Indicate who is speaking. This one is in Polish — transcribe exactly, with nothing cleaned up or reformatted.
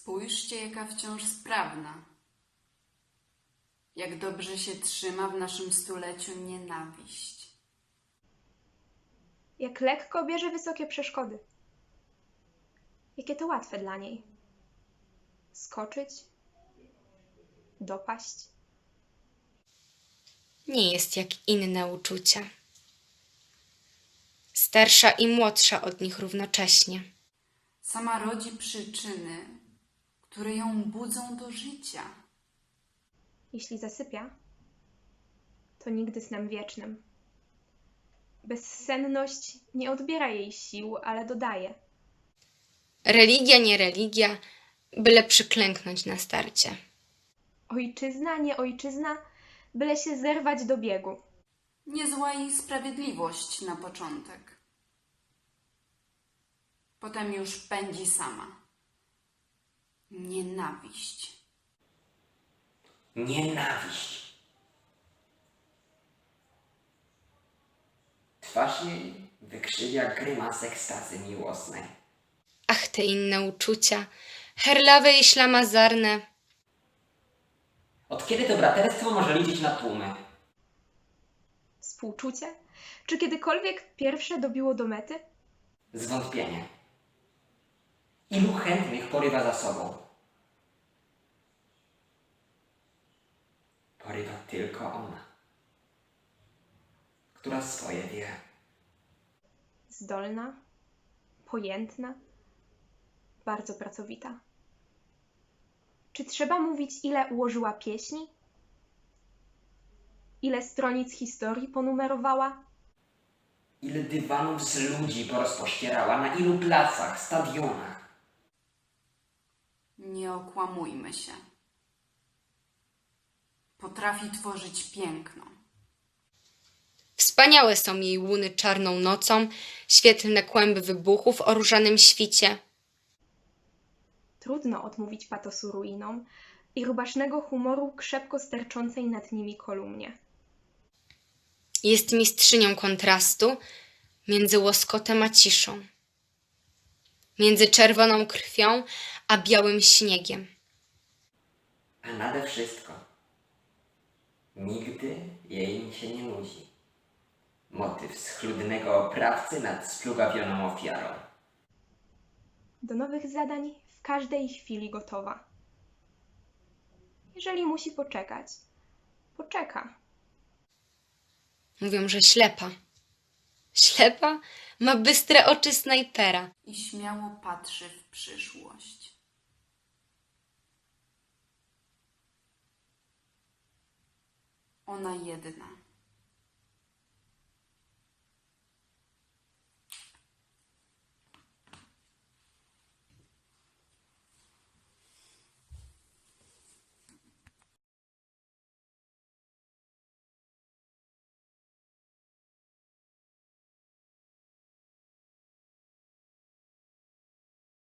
Speaker 1: Spójrzcie, jaka wciąż sprawna. Jak dobrze się trzyma w naszym stuleciu nienawiść.
Speaker 2: Jak lekko bierze wysokie przeszkody. Jakie to łatwe dla niej. Skoczyć, dopaść.
Speaker 3: Nie jest jak inne uczucia. Starsza i młodsza od nich równocześnie.
Speaker 1: Sama rodzi przyczyny, które ją budzą do życia.
Speaker 2: Jeśli zasypia, to nigdy snem wiecznym. Bezsenność nie odbiera jej sił, ale dodaje.
Speaker 3: Religia, nie religia, byle przyklęknąć na starcie.
Speaker 2: Ojczyzna, nie ojczyzna, byle się zerwać do biegu.
Speaker 1: Niezła i sprawiedliwość na początek. Potem już pędzi sama. Nienawiść.
Speaker 4: Nienawiść. Twarz jej wykrzywia grymas ekstazy miłosnej.
Speaker 3: Ach, te inne uczucia, herlawe i ślamazarne.
Speaker 4: Od kiedy to braterstwo może liczyć na tłumy?
Speaker 2: Współczucie? Czy kiedykolwiek pierwsze dobiło do mety?
Speaker 4: Zwątpienie. Ilu chętnych porywa za sobą? Porywa tylko ona, która swoje wie.
Speaker 2: Zdolna, pojętna, bardzo pracowita. Czy trzeba mówić, ile ułożyła pieśni? Ile stronic historii ponumerowała?
Speaker 4: Ile dywanów z ludzi porozpościerała, na ilu placach, stadionach.
Speaker 1: Nie okłamujmy się. Potrafi tworzyć piękno.
Speaker 3: Wspaniałe są jej łuny czarną nocą, świetlne kłęby wybuchów o różanym świcie.
Speaker 2: Trudno odmówić patosu ruinom i rubasznego humoru krzepko sterczącej nad nimi kolumnie.
Speaker 3: Jest mistrzynią kontrastu między łoskotem a ciszą, między czerwoną krwią a białym śniegiem.
Speaker 4: A nade wszystko nigdy jej się nie nudzi. Motyw schludnego oprawcy nad splugawioną ofiarą.
Speaker 2: Do nowych zadań w każdej chwili gotowa. Jeżeli musi poczekać, poczeka.
Speaker 3: Mówią, że ślepa. Ślepa ma bystre oczy snajpera.
Speaker 1: I śmiało patrzy w przyszłość. Ona jedna.